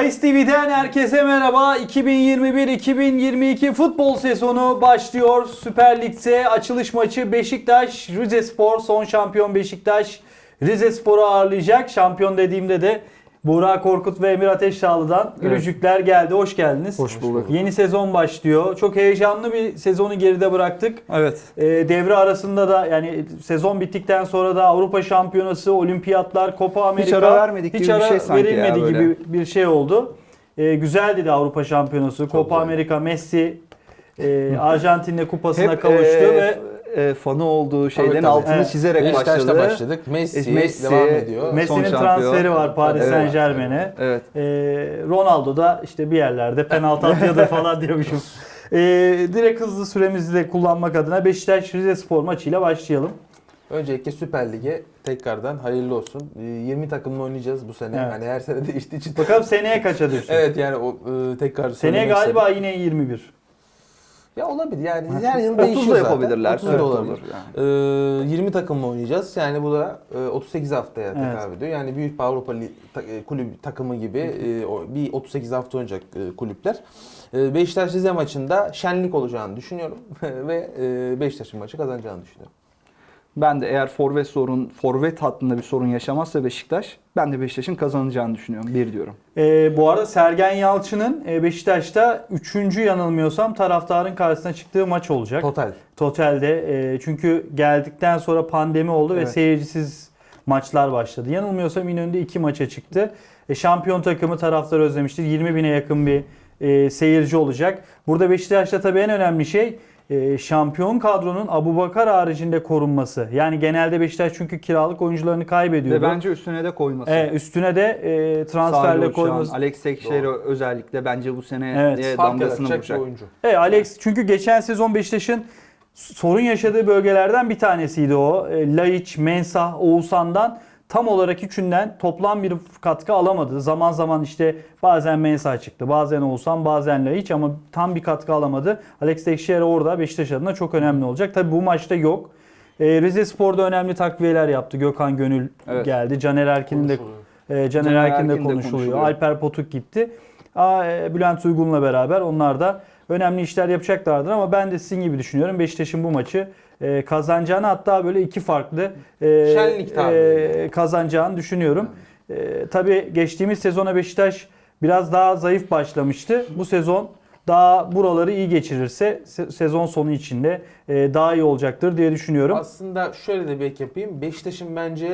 Bahis TV'den herkese merhaba. 2021-2022 futbol sezonu başlıyor. Süper Lig'de açılış maçı Beşiktaş Rizespor, son şampiyon Beşiktaş Rizespor'u ağırlayacak. Şampiyon dediğimde de Burak Korkut ve Emir Ateşdağlı'dan gülücükler geldi. Hoş geldiniz. Hoş bulduk. Yeni sezon başlıyor. Çok heyecanlı bir sezonu geride bıraktık. Evet. Devre arasında da, yani sezon bittikten sonra da Avrupa Şampiyonası, Olimpiyatlar, Copa Amerika Hiç ara vermedik gibi bir şey sanki verilmedi ya, gibi bir şey oldu. Güzeldi de Avrupa Şampiyonası, Copa güzel. Amerika, Messi Arjantin'le kupasına kavuştu ve fanı olduğu şeylerin tabii. altını Evet. çizerek Beşiktaş'ta başladı. başladık. Messi, Messi, devam ediyor. Messi'nin Son transferi şampiyon. var Paris Evet. Saint Germain'e. Evet. Ronaldo da işte bir yerlerde penaltı atıyordu falan diyormuşum. Direkt hızlı süremizi de kullanmak adına Beşiktaş Rizespor maçıyla başlayalım. Öncelikle Süper Lig'e tekrardan hayırlı olsun. 20 takımla oynayacağız bu sene. Evet. Hani her sene değiştiği için. Bakalım seneye kaça düşecek? Evet, yani o tekrar Seneye söylemek galiba istedim. yine 21. Ya olabilir yani, her yıl 30 da değişiyor zaten. yapabilirler. 30 Evet, da olabilir. olur yani. 20 takımla oynayacağız. Yani bu da 38 haftaya Evet. tekabül ediyor. Yani büyük bir Avrupa kulüp takımı gibi bir 38 hafta oynayacak kulüpler. Beşiktaş Rize maçında şenlik olacağını düşünüyorum ve Beşiktaş'ın maçı kazanacağını düşünüyorum. Ben de eğer forvet hattında bir sorun yaşamazsa Beşiktaş, ben de Beşiktaş'ın kazanacağını düşünüyorum. 1 diyorum. Bu arada Sergen Yalçın'ın Beşiktaş'ta 3. yanılmıyorsam taraftarın karşısına çıktığı maç olacak. Totalde. Çünkü geldikten sonra pandemi oldu ve Evet. seyircisiz maçlar başladı. Yanılmıyorsam İnönü'nde 2 maça çıktı. Şampiyon takımı taraftar özlemiştir. 20 bine yakın bir seyirci olacak. Burada Beşiktaş'ta tabii en önemli şey şampiyon kadronun Abubakar haricinde korunması. Yani genelde Beşiktaş çünkü kiralık oyuncularını kaybediyordu. Ve bence üstüne de koyması. Üstüne de transferle Salih Uçan, koyması. Alex Teixeira özellikle bence bu sene Evet. damgasını Fark vuracak. yaratacak bir oyuncu. Alex, çünkü geçen sezon Beşiktaş'ın sorun yaşadığı bölgelerden bir tanesiydi o. Laiç, Mensah, Oğuzhan'dan tam olarak üçünden toplam bir katkı alamadı. Zaman zaman işte bazen Mensah çıktı, bazen Oğuzhan, bazen Laiç, ama tam bir katkı alamadı. Alex Teixeira orada Beşiktaş adına çok önemli olacak. Tabii bu maçta yok. Rizespor'da önemli takviyeler yaptı. Gökhan Gönül geldi. Caner Erkin'in de Caner Erkin de konuşuluyor. Alper Potuk gitti. Bülent Uygun'la beraber onlar da önemli işler yapacaklardır, ama ben de sizin gibi düşünüyorum. Beşiktaş'ın bu maçı kazanacağını, hatta böyle iki farklı Şenlik tabii. kazanacağını düşünüyorum. Tabii geçtiğimiz sezona Beşiktaş biraz daha zayıf başlamıştı. Bu sezon daha buraları iyi geçirirse sezon sonu içinde daha iyi olacaktır diye düşünüyorum. Aslında şöyle de bir ek yapayım. Beşiktaş'ın bence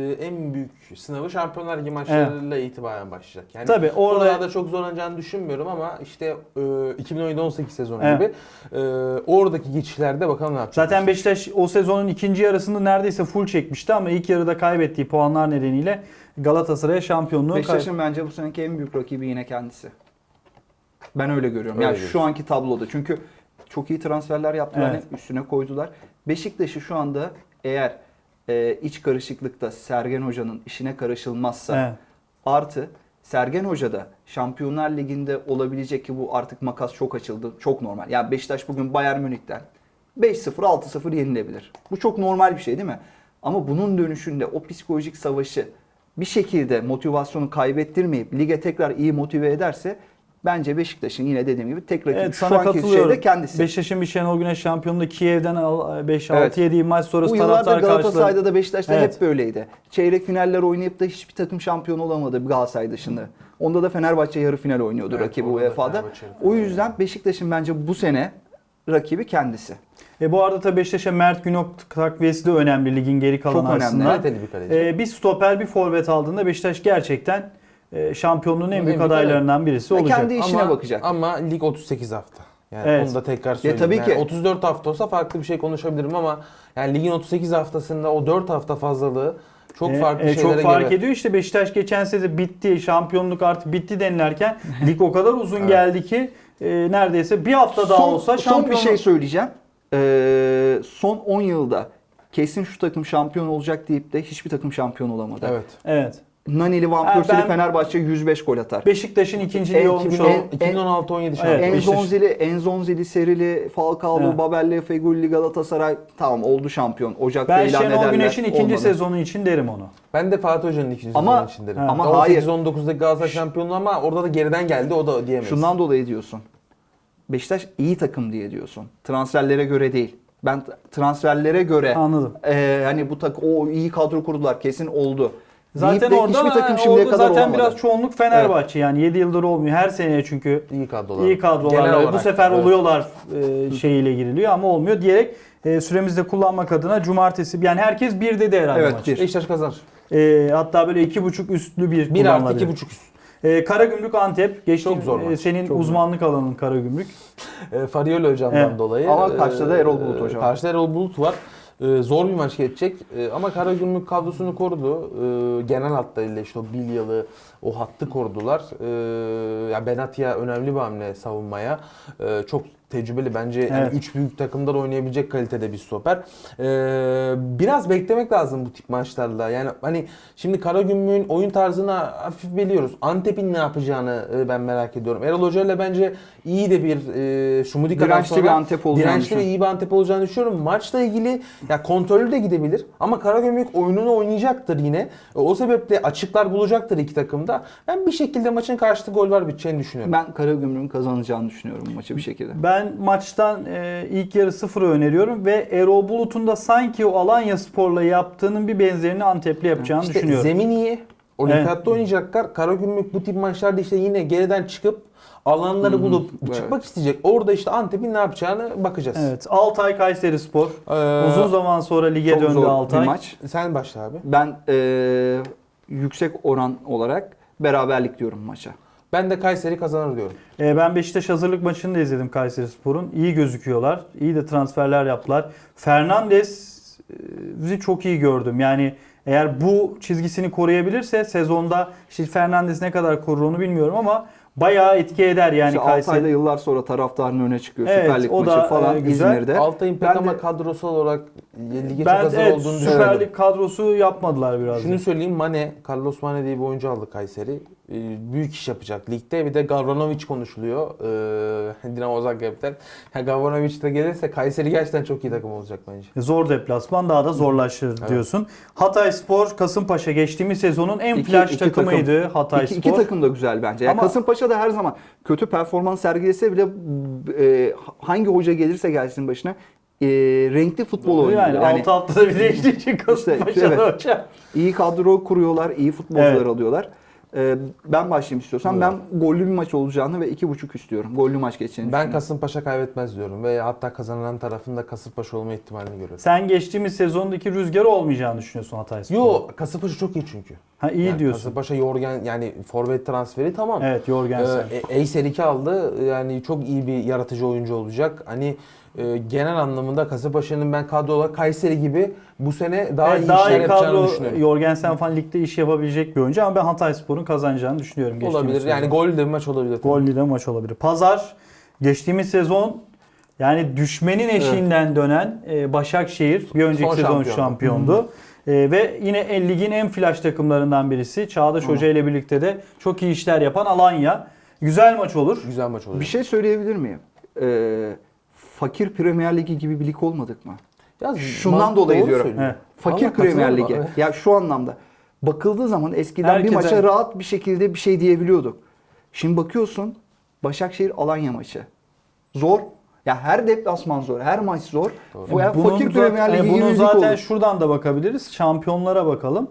en büyük sınavı Şampiyonlar Ligi maçlarıyla itibaren başlayacak. Yani tabii oralarda çok zorlanacağını düşünmüyorum, ama işte 2017-18 sezonu Evet. gibi oradaki geçişlerde bakalım ne yapacak. Zaten Beşiktaş o sezonun ikinci yarısında neredeyse full çekmişti, ama ilk yarıda kaybettiği puanlar nedeniyle Galatasaray'a şampiyonluğu Beşiktaş'ın bence bu seneki en büyük rakibi yine kendisi. Ben öyle görüyorum. Öyle Yani diyorsun. şu anki tabloda. Çünkü çok iyi transferler yaptılar. Evet. Üstüne koydular. Beşiktaş'ı şu anda eğer iç karışıklıkta Sergen Hoca'nın işine karışılmazsa, Evet. artı Sergen Hoca da Şampiyonlar Ligi'nde olabilecek, ki bu artık makas çok açıldı. Çok normal. Yani Beşiktaş bugün Bayern Münih'ten 5-0, 6-0 yenilebilir. Bu çok normal bir şey değil mi? Ama bunun dönüşünde o psikolojik savaşı bir şekilde motivasyonu kaybettirmeyip lige tekrar iyi motive ederse, bence Beşiktaş'ın yine dediğim gibi tek rakibi Evet, şu sana anki katılıyorum. şeyde kendisi. Beşiktaş'ın bir Şenol Güneş şampiyonluğu Kiev'den 5-6 Evet. yediği maç sonrası Bu yıllarda taraftar Galatasaray'da karşıladı. da Beşiktaş'ta Evet. hep böyleydi. Çeyrek finaller oynayıp da hiçbir takım şampiyon olamadı Galatasaray dışında. Onda da Fenerbahçe yarı final oynuyordu Evet, rakibi orada da UEFA'da. Fenerbahçe yarı final O yüzden Beşiktaş'ın bence bu sene rakibi kendisi. Bu arada tabii Beşiktaş'a Mert Günok takviyesi de önemli ligin geri kalan Çok önemli. arasında. Kaliteli bir kaleci. Bir stoper, bir forvet aldığında Beşiktaş gerçekten şampiyonluğun en büyük büyük adaylarından birisi Ve olacak. kendi işine bakacak. Ama lig 38 hafta. Yani Evet. onu da tekrar söyleyeyim. tabii Yani ki. 34 hafta olsa farklı bir şey konuşabilirim, ama yani ligin 38 haftasında o 4 hafta fazlalığı çok farklı şeylere çok fark gebe. ediyor. İşte Beşiktaş geçen sene bitti, şampiyonluk artık bitti denilerken lig o kadar uzun geldi ki neredeyse bir hafta daha olsa Son bir şampiyonluk. şey söyleyeceğim. Son 10 yılda kesin şu takım şampiyon olacak deyip de hiçbir takım şampiyon olamadı. Evet. Evet. Naneli, Van Ha, Persie'li ben- Fenerbahçe 105 gol atar. Beşiktaş'ın ikinciliği En- olmuş en- oldu. 2016-17 Evet, şampiyonu. Enzonzili, Serili, Falcao'lu, Evet. Babel'li, Fegülli, Galatasaray tamam oldu şampiyon. Ocak'ta Ben ilan Şenol ederler. Güneş'in ikinci Olmadı. sezonu için derim onu. Ben de Fatih Hoca'nın ikinci Ama- sezonu için derim. ama 18-19'daki Galatasaray şampiyonluğu ama orada da geriden geldi, o da diyemeyiz. Şundan dolayı diyorsun. Beşiktaş iyi takım diye diyorsun. Transferlere göre değil. Ben transferlere göre Anladım. hani bu o iyi kadro kurdular kesin oldu. Zaten Deyip de orada, hiçbir takım şimdiye orada kadar zaten olamadı. biraz çoğunluk Fenerbahçe yani 7 yıldır olmuyor. Her seneye çünkü iyi kadrolar. iyi kadrolarla Genel bu olarak, sefer evet. oluyorlar şeyiyle giriliyor ama olmuyor diyerek süremizde kullanmak adına cumartesi yani herkes bir dedi herhalde Evet, maç. bir. Beşiktaş kazanır. Hatta böyle 2.5 üstlü bir 1 artı kullanılabilir. 2.5 üst. Karagümrük Antep. Geçtiğim, Çok zor maç. senin Çok uzmanlık alanın Karagümrük. Farioli hocamdan Evet. dolayı. Ama karşıda da Erol Bulut hocam. Karşıda Erol Bulut var. Zor bir maç geçecek. Ama Karagümrük kadrosunu korudu. Genel hatlarıyla işte o Bilyalı, o hattı korudular. Ya Benatia önemli bir hamle savunmaya. Çok tecrübeli bence. Yani Evet. 3 büyük takımda da oynayabilecek kalitede bir stoper. Biraz beklemek lazım bu tip maçlarla. Yani hani şimdi Karagümrük'ün oyun tarzını hafif biliyoruz. Antep'in ne yapacağını ben merak ediyorum. Erol Hoca ile bence iyi de bir Şumudika'dan Dirençli sonra bir Antep olacağını dirençli ve düşünüyorum. iyi bir Antep olacağını düşünüyorum. Maçla ilgili ya kontrollü de gidebilir ama Karagümrük oyununu oynayacaktır yine. O sebeple açıklar bulacaktır iki takımda. Ben bir şekilde maçın karşılıklı gol var biteceğini düşünüyorum. Ben Karagümrük'ün kazanacağını düşünüyorum bu maçı bir şekilde. Ben maçtan ilk yarı 0'ı öneriyorum ve Erol Bulut'un da sanki o Alanyaspor'la yaptığının bir benzerini Antep'le yapacağını İşte düşünüyorum. zemin iyi. Olimpiyatta Evet. oynayacaklar. Karagümrük bu tip maçlarda işte yine geriden çıkıp alanları bulup Evet. çıkmak isteyecek. Orada işte Antep'in ne yapacağını bakacağız. Evet. Altay Kayserispor. Uzun zaman sonra lige Çok döndü zor Altay. bir maç. Sen başla abi. Ben yüksek oran olarak beraberlik diyorum maça. Ben de Kayseri kazanır diyorum. Ben Beşiktaş hazırlık maçını da izledim Kayserispor'un. İyi gözüküyorlar. İyi de transferler yaptılar. Fernandez'i çok iyi gördüm. Yani eğer bu çizgisini koruyabilirse sezonda işte Fernandes ne kadar korur onu bilmiyorum ama bayağı etki eder yani İşte Kayseri. Altay'da yıllar sonra taraftarın öne çıkıyor. Evet, Süper Lig o maçı da, falan güzel. İzmir'de. Altay'ın pek Ben ama de- kadrosal olarak lige çok Ben hazır evet, olduğunu Süper düşünüyorum. Lig kadrosu yapmadılar biraz. Şunu da. söyleyeyim, Carlos Mane diye bir oyuncu aldı Kayseri. Büyük iş yapacak ligde. Bir de Gavranovic konuşuluyor. Dinamo Zagreb'den. Gavranovic de gelirse Kayseri gerçekten çok iyi takım olacak bence. Zor deplasman daha da zorlaşır Evet. diyorsun. Hatayspor, Kasımpaşa geçtiğimiz sezonun en flash takımıydı Hatayspor. İki takım da güzel bence. Yani Ama- Kasımpaşa da her zaman kötü performans sergilese bile hangi hoca gelirse gelsin başına renkli futbol oynuyor. Yani, Yani 6 haftada bir değiştiği için Kasımpaşa'da evet. hocam. iyi kadro kuruyorlar, iyi futbolcular Evet. alıyorlar. Ben başlayayım istiyorsan. Ben gollü bir maç olacağını ve 2.5 istiyorum. Gollü maç geçeceğini Ben düşünüyorum. Kasımpaşa kaybetmez diyorum ve hatta kazanan tarafın da Kasımpaşa olma ihtimalini görüyorum. Sen geçtiğimiz sezondaki rüzgarı olmayacağını düşünüyorsun Hatayspor. Yo, Kasımpaşa çok iyi çünkü. Ha iyi Yani diyorsun. Kasımpaşa Yorgen yani forvet transferi tamam. Evet, Jorgensen. Eyser 2 aldı. Yani çok iyi bir yaratıcı oyuncu olacak. Hani genel anlamında Kasımpaşa'nın ben kadro olarak Kayseri gibi bu sene daha iyi işler yapacağını kadro düşünüyorum. Jorgensen falan ligde iş yapabilecek bir oyuncu ama ben Hatayspor'un kazanacağını düşünüyorum. geçtiğimiz Olabilir. sezon. Yani gol de bir maç olabilir. Gollü de maç olabilir. Pazar geçtiğimiz sezon yani düşmenin eşiğinden dönen Başakşehir bir önceki Son sezon şampiyondu. şampiyondu. Ve yine ligin en flash takımlarından birisi. Çağdaş Hoca ile birlikte de çok iyi işler yapan Alanya. Güzel maç olur. Güzel maç olacak. Bir şey söyleyebilir miyim? Fakir Premier Ligi gibi bir lig olmadık mı? Ya, Şundan dolayı doğru diyorum. söylüyor. Evet. Fakir Vallahi Premier katılıyorum Ligi. abi. Ya şu anlamda. Bakıldığı zaman eskiden Herkese- bir maça rahat bir şekilde bir şey diyebiliyorduk. Şimdi bakıyorsun Başakşehir Alanya maçı. Zor. Ya her deplasman zor. Her maç zor. Bu yani fakir Premier Ligi gibi bunun bir lig zaten olur. şuradan da bakabiliriz. Şampiyonlara bakalım.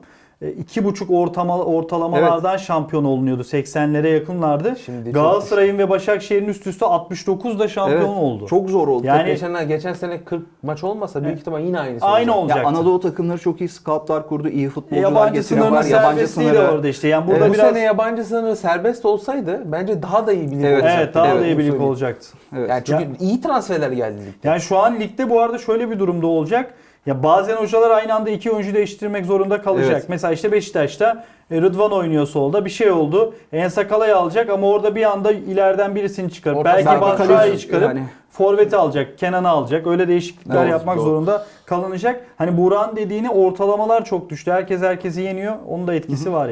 2,5 ortalamalardan şampiyon olunuyordu. 80'lere yakınlardı. Şimdi çok Galatasaray'ın ve Başakşehir'in üst üste 69'da şampiyon Evet, oldu. Çok zor oldu. Yani Geçen sene 40 maç olmasa büyük ihtimal yine aynısı aynı olacak. olacaktı. ya Anadolu takımları çok iyi scoutlar kurdu. İyi futbolcular Yabancı getiriyorlar. sınırının serbestliği de orada işte. Yani burada Bu biraz sene yabancı sınırı serbest olsaydı bence daha da iyi bir lig Evet, olacaktı. evet daha da Evet, iyi bir lig söyleyeyim. olacaktı. Evet. Yani çünkü iyi transferler geldi ligde. Yani şu an ligde bu arada şöyle bir durumda olacak. Ya bazen hocalar aynı anda iki oyuncu değiştirmek zorunda kalacak. Evet. Mesela işte Beşiktaş'ta Rıdvan oynuyor solda. Bir şey oldu. Ensakala'yı alacak ama orada bir anda ileriden birisini çıkarıp Orta belki saha Batshuayi'yi kaleci çıkarıp yani. forveti alacak, Kenan'ı alacak. Öyle değişiklikler Evet, yapmak doğru. zorunda kalınacak. Hani Burak'ın dediğini ortalamalar çok düştü. Herkes herkesi yeniyor. Onun da etkisi var yani.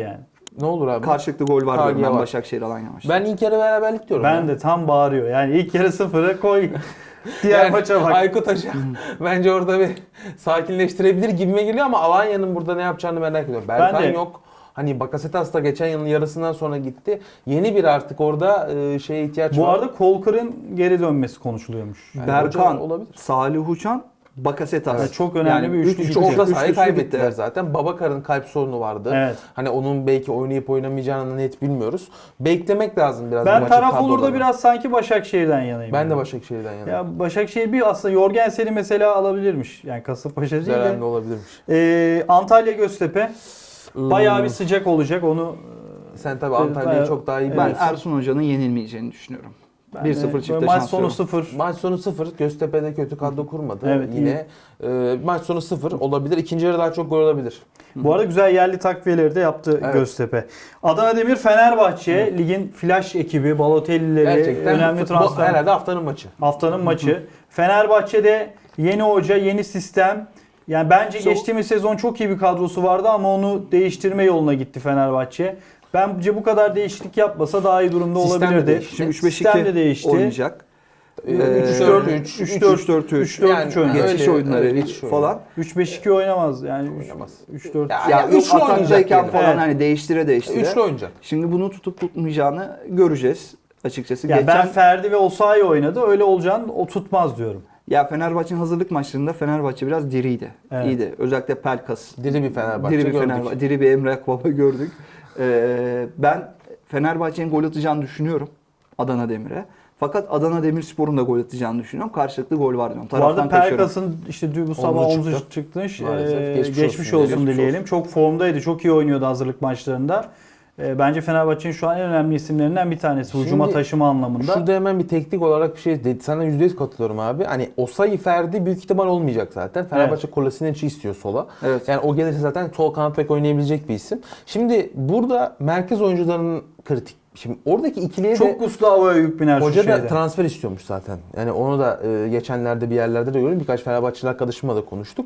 Ne olur abi? Karşılıklı gol var diyorum KG ben var. Başakşehir Alanya maçta. Ben ilk yarı beraberlik diyorum. Ben ya. de tam bağırıyor. Yani ilk yarı 0'a koy. Diğer Yani maça bak. Aykut Hoca bence orada bir sakinleştirebilir gibime geliyor ama Alanya'nın burada ne yapacağını merak ediyorum. Berkan de. yok. Hani Bakasetas da geçen yılın yarısından sonra gitti. Yeni bir artık orada şeye ihtiyaç Bu var. arada Kolkır'ın geri dönmesi konuşuluyormuş. Yani Berkan, hoca olabilir. Salih Uçan, Bakasetas. Evet, çok önemli bir üçlü üç Üç gitti. orta sahayı üçlüsü kaybettiler gitti. zaten. Babakar'ın kalp sorunu vardı. Evet. Hani onun belki oynayıp oynamayacağını net bilmiyoruz. Beklemek lazım biraz. bu Ben maçın taraf olur da kadrolarını. biraz sanki Başakşehir'den yanayım. Ben de yani. Başakşehir'den yanayım. Ya Başakşehir bir aslında Jorgensen'i mesela alabilirmiş. Yani Kasımpaşa değil Güzel de. hamle olabilirmiş. Antalya Göztepe bayağı bir sıcak olacak onu. Sen tabii Antalya'yı çok daha iyi Ben biliyorsun. Ersun Hoca'nın yenilmeyeceğini düşünüyorum. Ben de 1-0 çifte maç şans sonu diyorum. 0. Maç sonu 0. Göztepe'de kötü kadro kurmadı. Evet, Yine maç sonu 0 olabilir. İkinci yarı daha çok gol olabilir. Bu arada güzel yerli takviyeleri de yaptı Evet. Göztepe. Adana Demir Fenerbahçe ligin flash ekibi Balotelli'leri Gerçekten önemli bu transfer. herhalde haftanın maçı. Haftanın maçı. Fenerbahçe'de yeni hoca, yeni sistem. Yani bence geçtiğimiz sezon çok iyi bir kadrosu vardı ama onu değiştirme yoluna gitti Fenerbahçe. Bence bu kadar değişiklik yapmasa daha iyi durumda Sistem de olabilirdi. değişti. Şimdi Sistem de 3-5-2 değişti. oynayacak. 3-4-3. 3-4-3 Yani öyle, geçiş oyunları öyle geçiş oyunu. falan. 3-5-2 oynamaz. Yani Oynamaz. 3-4. Ya, Ya üçlü yok oynayacak ataktayken diyelim. falan Evet. hani değiştire. Üçlü oynayacak. Şimdi bunu tutup tutmayacağını göreceğiz açıkçası. Yani ben Ferdi ve Osayi oynadı. Öyle olacağını o tutmaz diyorum. Ya Fenerbahçe'nin hazırlık maçlarında Fenerbahçe biraz diriydi. Evet. İyiydi. Özellikle Pelkas. Diri bir Fenerbahçe Diri bir gördük. Fenerbahçe. Diri bir Emre Akbaba gördük. Ben Fenerbahçe'nin gol atacağını düşünüyorum Adana Demir'e. Fakat Adana Demirspor'un da gol atacağını düşünüyorum. Karşılıklı gol var diyorum. Bu arada Taraftan kaçıyorum. Pelkas'ın işte bu sabah Omzu omzu çıktı. çıkmış. Maalesef. Geçmiş, Geçmiş olsun, olsun. dileyelim. Çok formdaydı. Çok iyi oynuyordu hazırlık maçlarında. Bence Fenerbahçe'nin şu an en önemli isimlerinden bir tanesi. Hücuma Şimdi taşıma anlamında. Şurada hemen bir teknik olarak bir şey dedi. Sana %100 katılıyorum abi. Hani Osayi Ferdi büyük ihtimal olmayacak zaten. Fenerbahçe Kolasinac istiyor sola. Evet. Yani o gelirse zaten sol kanat bek oynayabilecek bir isim. Şimdi burada merkez oyuncularının kritik. Şimdi oradaki ikiliye de Çok Gustavo'ya yük biner şu hoca da şeyde. transfer istiyormuş zaten. Yani onu da geçenlerde bir yerlerde de gördüm. Birkaç Fenerbahçeli arkadaşımla da konuştuk.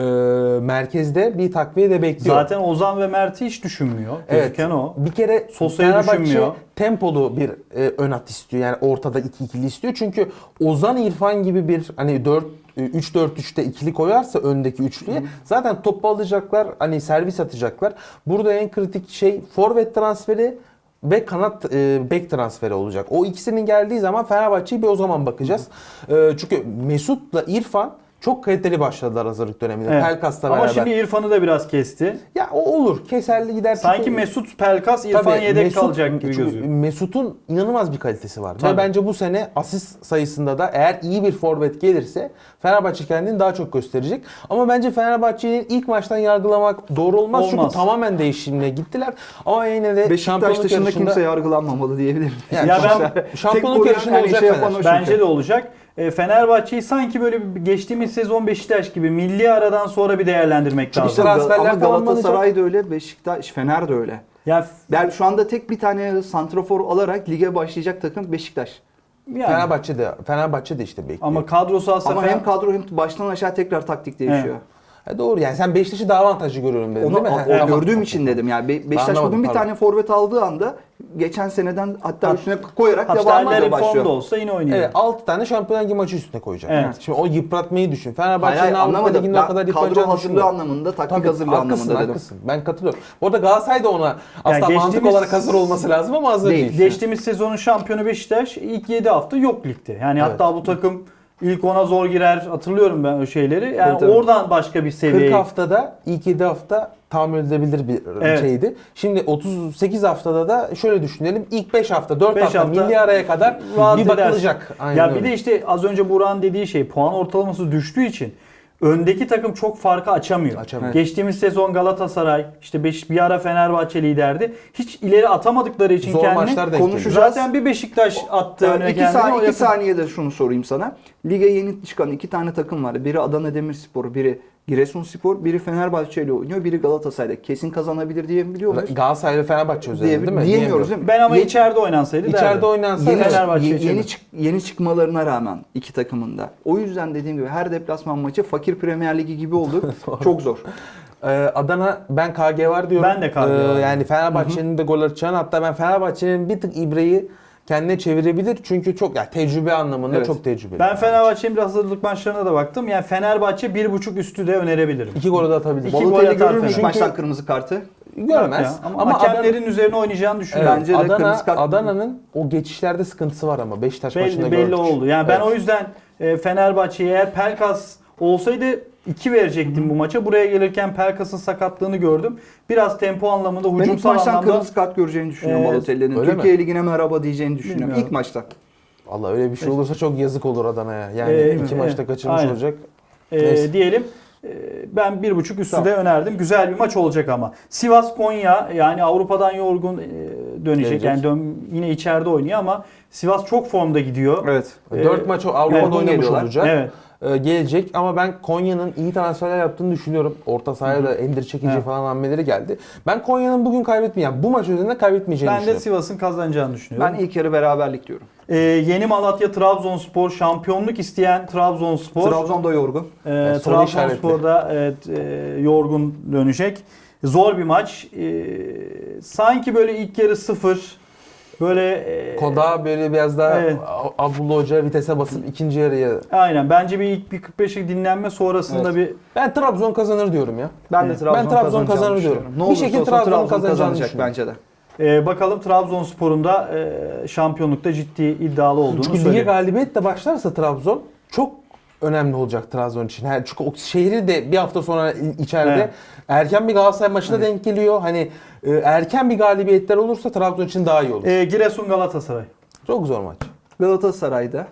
Merkezde bir takviye de bekliyor. Zaten Ozan ve Mert'i hiç düşünmüyor. Gözüken o. Bir kere Sosa'yı Fenerbahçe düşünmüyor. tempolu bir ön at istiyor. Yani ortada iki ikili istiyor. Çünkü Ozan İrfan gibi bir hani 3-4-3'te ikili koyarsa öndeki üçlüye zaten topu alacaklar. Hani servis atacaklar. Burada en kritik şey forvet transferi ve kanat bek transferi olacak. O ikisinin geldiği zaman Fenerbahçe'yi bir o zaman bakacağız. Çünkü Mesut'la İrfan çok kaliteli başladılar hazırlık döneminde. Evet. Pelkas'la Ama beraber. şimdi İrfan'ı da biraz kesti. Ya o olur. Keserli gider. Sanki Çünkü- Mesut, Pelkas, İrfan Tabii, yedek Mesut- kalacak gibi çünkü gözüküyor. Mesut'un inanılmaz bir kalitesi var. Tabii. Ve bence bu sene asist sayısında da eğer iyi bir forvet gelirse Fenerbahçe kendini daha çok gösterecek. Ama bence Fenerbahçe'nin ilk maçtan yargılamak doğru olmaz. Olmaz. Çünkü tamamen değişimle gittiler. Ama yine de Beşiktaş şampiyonluk dışında yarışında kimse yargılanmamalı diyebilirim. Yani Ya ben şampiyonluk Tek yarışında koruyan, olacak şey Fener. yapan o. Bence de olacak. Fenerbahçe'yi sanki böyle geçtiğimiz sezon Beşiktaş gibi milli aradan sonra bir değerlendirmek lazım. işte transferler Ama Galatasaray tamamlanacak. da öyle, Beşiktaş, Fener de öyle. Ya Yani şu anda tek bir tane santrafor alarak lige başlayacak takım Beşiktaş. yani. Fenerbahçe de işte bekliyor. Ama kadrosu aslında Ama hem kadro hem baştan aşağı tekrar taktik değişiyor. Doğru yani sen Beşiktaş'ı daha avantajlı görüyorum dedin Onu değil mi? o Tamam. gördüğüm için dedim. Yani Beşiktaş Anlamadım, bugün bir pardon. tane forvet aldığı anda geçen seneden hatta üstüne koyarak hatta devam ediyor Sterler'in başlıyor. formda olsa yine oynuyor. Evet 6 tane Şampiyonlar Ligi maçı üstüne koyacak. Evet. Şimdi o yıpratmayı düşün. Hayır, Fenerbahçe'nin Avrupa anlamadım. Ligi'nde o kadar Ben kadro yıpratacağını hazırlığı düşünmüyorum. anlamında, taktik Tabii, hazırlığı haklısın, anlamında dedim. haklısın. Ben katılıyorum. Bu arada Galatasaray da ona aslında mantık geçtiğimiz- olarak hazır olması lazım ama hazır Değil. değil. Geçtiğimiz sezonun şampiyonu Beşiktaş ilk 7 hafta yok ligde. Yani Evet. hatta bu takım ilk 10'a zor girer. Hatırlıyorum ben o şeyleri. Yani Tabii. oradan başka bir 40 seviyeye. haftada ilk 7 hafta tahammül edilebilir bir Evet. şeydi. Şimdi 38 haftada da şöyle düşünelim. İlk 5 hafta, 4 5 hafta, hafta milli araya kadar rahat bir edersin. bakılacak. Aynen Ya öyle. bir de işte az önce Burak'ın dediği şey puan ortalaması düştüğü için öndeki takım çok farkı açamıyor. Açamıyor. Geçtiğimiz sezon Galatasaray, işte bir ara Fenerbahçe liderdi. Hiç ileri atamadıkları için Zor kendini maçlar denk konuşacağız. geliyor. Zaten bir Beşiktaş attı önüne İki kendini. O saniye, yakın- iki saniyede şunu sorayım sana. Lige yeni çıkan 2 tane takım var. Biri Adana Demirspor, biri Giresunspor, biri Fenerbahçe ile oynuyor, biri Galatasaray'da. Kesin kazanabilir diyebiliyor muyuz? Galatasaray ve Fenerbahçe üzerinde değil mi? Diyemiyoruz değil mi? Ben ama Ye- içeride oynansaydı İçeride derdim. oynansa Yeni, Fenerbahçe ye- için yeni, mi? yeni çıkmalarına rağmen iki takımın da. O yüzden dediğim gibi her deplasman maçı fakir Premier Ligi gibi oldu. Çok zor. Adana ben KG var diyorum. Ben de KG var. Yani Fenerbahçe'nin de gol atacağını, hatta ben Fenerbahçe'nin bir tık ibreyi kendine çevirebilir. Çünkü çok yani tecrübe anlamında Evet. çok tecrübeli. Ben Fenerbahçe'nin biraz hazırlık maçlarına da baktım. Yani Fenerbahçe 1.5 üstü de önerebilirim. 2 golü de atabilir. İki gol Balotelli atar görür mü ilk Fenerbahçe. maçtan kırmızı kartı? Görmez. Ya, ama, Ama hakemlerin üzerine oynayacağını düşünüyorum. Bence de kırmızı kart- Adana'nın o geçişlerde sıkıntısı var ama Beşiktaş maçında Belli gördük. oldu. Yani ben Evet. o yüzden Fenerbahçe'ye eğer Pelkas olsaydı 2 verecektim bu maça. Buraya gelirken Pelkas'ın sakatlığını gördüm. Biraz tempo anlamında, Ben ilk hücumsal maçtan anlamda kırmızı kart göreceğini düşünüyorum Balotelli'nin. öyle Türkiye mi? Ligi'ne merhaba diyeceğini düşünüyorum. Bilmiyorum. İlk maçtan. Allah öyle bir şey olursa çok yazık olur Adana'ya. Yani Evet, iki maçta kaçırmış aynen. olacak. Neyse. diyelim. Ben 1.5 üstü Tamam. de önerdim. Güzel bir maç olacak ama. Sivas Konya, yani Avrupa'dan yorgun dönecek. Gelecek. Yani yine içeride oynuyor ama Sivas çok formda gidiyor. Evet. 4 maç Avrupa'da yorgun oynamış geliyorlar. olacak. Evet. Gelecek ama ben Konya'nın iyi transferler yaptığını düşünüyorum. Orta sahaya da Endir Çekici Evet. falan hamleleri geldi. Ben Konya'nın bugün kaybetmeyeceğini, bu maç üzerinde kaybetmeyeceğini Ben de düşünüyorum. Sivas'ın kazanacağını düşünüyorum. Ben ilk yarı beraberlik diyorum. Yeni Malatya Trabzonspor, şampiyonluk isteyen Trabzonspor. Trabzon da yorgun. soru Trabzonspor'da evet, yorgun dönecek. Zor bir maç. Sanki böyle ilk yarı 0. Böyle Koda böyle biraz daha Evet. Abdullah Hoca vitese basıp ikinci yarıya. aynen. Bence bir ilk bir 45'lik dinlenme sonrasında Evet. bir Ben Trabzon kazanır diyorum ya. Ben de Evet. Trabzon, Ben Trabzon kazanacağını kazanır düşünüyorum. diyorum. Ne Bir olursa şekilde olsun Trabzon Trabzon kazanacağını kazanacak düşünüyorum. bence de. bakalım Trabzonspor'un da şampiyonlukta ciddi iddialı olduğunu Çünkü lige söyleyeyim. galibiyetle başlarsa Trabzon çok önemli olacak Trabzon için. Yani çünkü o şehri de bir hafta sonra içeride Evet. erken bir Galatasaray maçına denk geliyor. Hani erken bir galibiyetler olursa Trabzon için daha iyi olur. Giresun Galatasaray. Çok zor maç. Galatasaray'da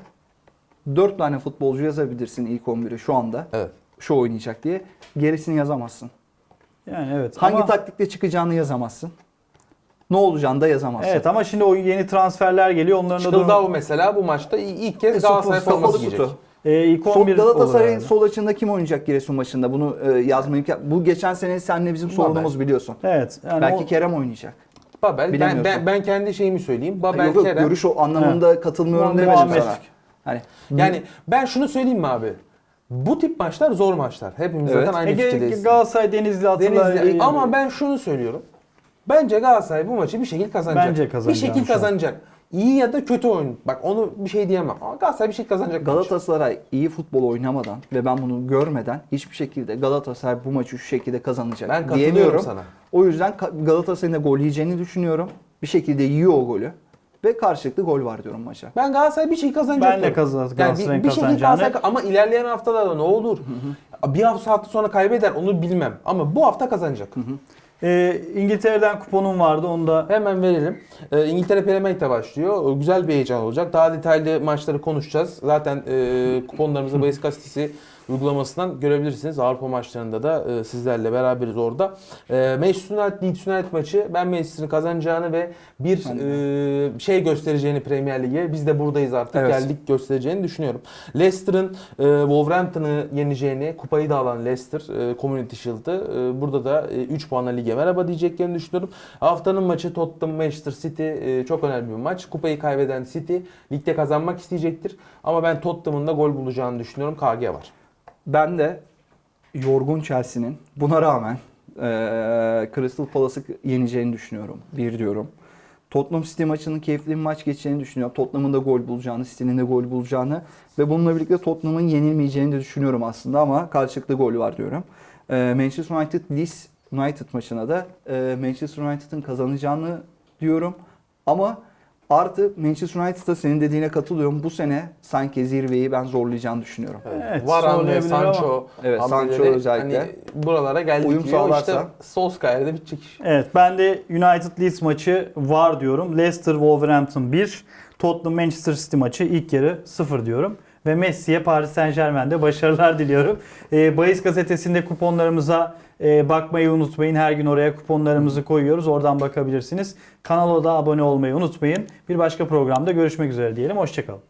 4 tane futbolcu yazabilirsin ilk 11'e şu anda. Evet. Şu oynayacak diye. Gerisini yazamazsın. Yani evet. Hangi ama, taktikle çıkacağını yazamazsın. Ne olacağını da yazamazsın. Evet ama şimdi o yeni transferler geliyor. Onların da Çıkıldao mesela bu maçta ilk kez Galatasaray Kapalı forması kutu. giyecek. ilk Sol, 11 olur Galatasaray'ın herhalde. sol açığında kim oynayacak Giresun maçında? Bunu yazmayı... Bu geçen sene seninle bizim sorunumuz biliyorsun. Evet. Yani Belki o- Kerem oynayacak. Babel, Bilemiyorsun. ben kendi şeyimi söyleyeyim. Babel, Yok, yok, Kerem. görüş o anlamında katılmıyorum demedim Muhammed. sana. Hani Yani ben şunu söyleyeyim mi abi? Bu tip maçlar zor maçlar. Hepimiz Evet. zaten aynı fikirdeyiz. Galatasaray Denizli hatırlar. Denizli. Ama ben şunu söylüyorum. Bence Galatasaray bu maçı bir şekilde kazanacak. Bence kazanacak Bir şekilde şu an. kazanacak. İyi ya da kötü oyun. Bak onu bir şey diyemem. Ama Galatasaray bir şekilde kazanacak. bu maçı. Galatasaray iyi futbol oynamadan ve ben bunu görmeden hiçbir şekilde Galatasaray bu maçı şu şekilde kazanacak Ben katılıyorum diyemiyorum. sana. O yüzden Galatasaray'ın da gol yiyeceğini düşünüyorum. Bir şekilde yiyor o golü. Ve karşılıklı gol var diyorum maça. Ben Galatasaray bir şey kazanacak. Ben de diyorum. Galatasaray'ın bir şekilde kazanacağını. Galatasaray ama ilerleyen haftalarda ne olur? Bir hafta sonra kaybeder onu bilmem. Ama bu hafta kazanacak. İngiltere'den kuponum vardı. Onu da Hemen verelim. İngiltere Premier Lig'de başlıyor. Güzel bir heyecan olacak. Daha detaylı maçları konuşacağız. Zaten kuponlarımızı Bahis Gazetesi uygulamasından görebilirsiniz. Avrupa maçlarında da sizlerle beraberiz orada. Manchester United Leeds United maçı ben Manchester'ın kazanacağını ve bir şey göstereceğini Premier Lig'e. Biz de buradayız artık. Evet. Geldik göstereceğini düşünüyorum. Leicester'ın Wolverhampton'ı yeneceğini, kupayı da alan Leicester Community Shield'ı burada da 3 puanla lige merhaba diyeceklerini düşünüyorum. Haftanın maçı Tottenham Manchester City çok önemli bir maç. Kupayı kaybeden City ligde kazanmak isteyecektir. Ama ben Tottenham'ın da gol bulacağını düşünüyorum. KG var. Ben de yorgun Chelsea'nin buna rağmen Crystal Palace'ı yeneceğini düşünüyorum. Bir diyorum. Tottenham City maçının keyifli bir maç geçeceğini düşünüyorum. Tottenham'ın da gol bulacağını, City'nin de gol bulacağını ve bununla birlikte Tottenham'ın yenilmeyeceğini de düşünüyorum aslında ama karşılıklı gol var diyorum. Manchester United Leeds United maçına da Manchester United'ın kazanacağını diyorum. Ama artı Manchester United'da senin dediğine katılıyorum. Bu sene sanki zirveyi ben zorlayacağını düşünüyorum. Evet, Varane, zorlayabilir Sancho, Evet, hamleleri Sancho özellikle. hani buralara geldik Uyum diyor. sağlarsa. İşte Solskjaer'de bitecek iş. Evet, ben de United Leeds maçı var diyorum. Leicester Wolverhampton 1. Tottenham Manchester City maçı ilk yarı 0 diyorum. Ve Messi'ye Paris Saint-Germain'de başarılar diliyorum. Bahis gazetesinde kuponlarımıza bakmayı unutmayın. Her gün oraya kuponlarımızı koyuyoruz. Oradan bakabilirsiniz. Kanala da abone olmayı unutmayın. Bir başka programda görüşmek üzere diyelim. Hoşçakalın.